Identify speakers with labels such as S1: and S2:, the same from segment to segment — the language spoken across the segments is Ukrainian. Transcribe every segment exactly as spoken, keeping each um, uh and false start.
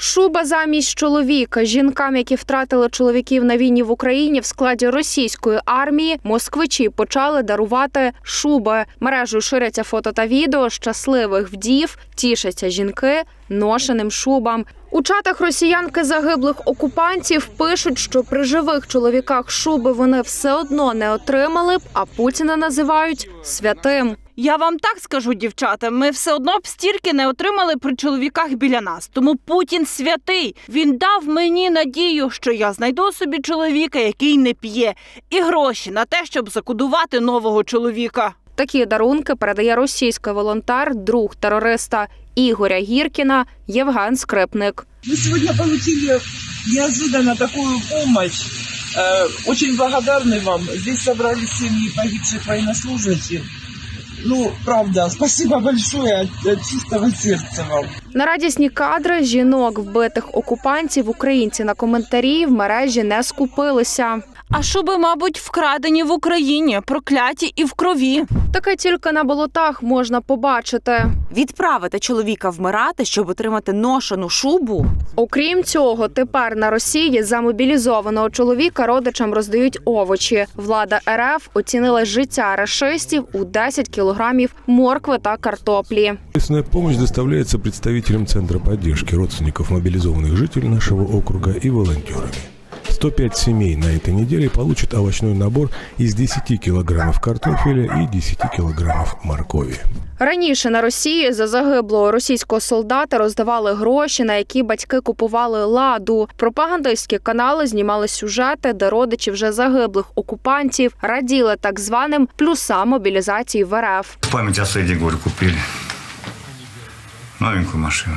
S1: Шуба замість чоловіка. Жінкам, які втратили чоловіків на війні в Україні в складі російської армії, москвичі почали дарувати шуби. Мережею ширяться фото та відео щасливих вдів, тішаться жінки ношеним шубам. У чатах росіянки загиблих окупантів пишуть, що при живих чоловіках шуби вони все одно не отримали б, а Путіна називають святим.
S2: Я вам так скажу, дівчата, ми все одно б стільки не отримали при чоловіках біля нас. Тому Путін святий. Він дав мені надію, що я знайду собі чоловіка, який не п'є, і гроші на те, щоб закодувати нового чоловіка.
S1: Такі дарунки передає російський волонтер, друг терориста Ігоря Гіркіна Євген Скрипник.
S3: Мы сегодня получили неожиданно такую помощь. Э, очень благодарны вам. Здесь собрались семьи погибших военнослужащих. Ну, правда, спасибо большое от, от чистого сердца вам.
S1: На радісні кадри жінок, вбитих окупантів, українці на коментарі в мережі не скупилися.
S2: А шуби, мабуть, вкрадені в Україні, прокляті і в крові.
S1: Таке тільки на болотах можна побачити.
S4: Відправити чоловіка вмирати, щоб отримати ношену шубу?
S1: Окрім цього, тепер на Росії за мобілізованого чоловіка родичам роздають овочі. Влада РФ оцінила життя рашистів у десять кілограмів моркви та картоплі.
S5: Местная помощь доставляется представителям Центра поддержки родственников мобилизованных жителей нашего округа и волонтерами. сто пять семей на этой неделе получат овощной набор из десяти килограммов картофеля и десяти килограммов моркови.
S1: Раніше на Росії за загиблого російського солдата роздавали гроші, на які батьки купували ладу. Пропагандистські канали знімали сюжети, де родичі вже загиблих окупантів раділи так званим плюсам мобілізації в РФ.
S6: В память о Сэдди, говорю, купили новенькую машину.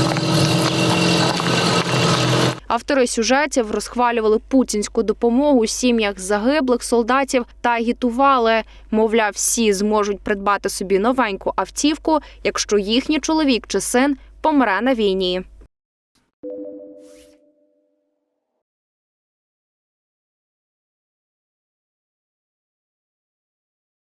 S1: Автори сюжетів розхвалювали путінську допомогу у сім'ях загиблих солдатів та агітували. Мовляв, всі зможуть придбати собі новеньку автівку, якщо їхній чоловік чи син помре на війні.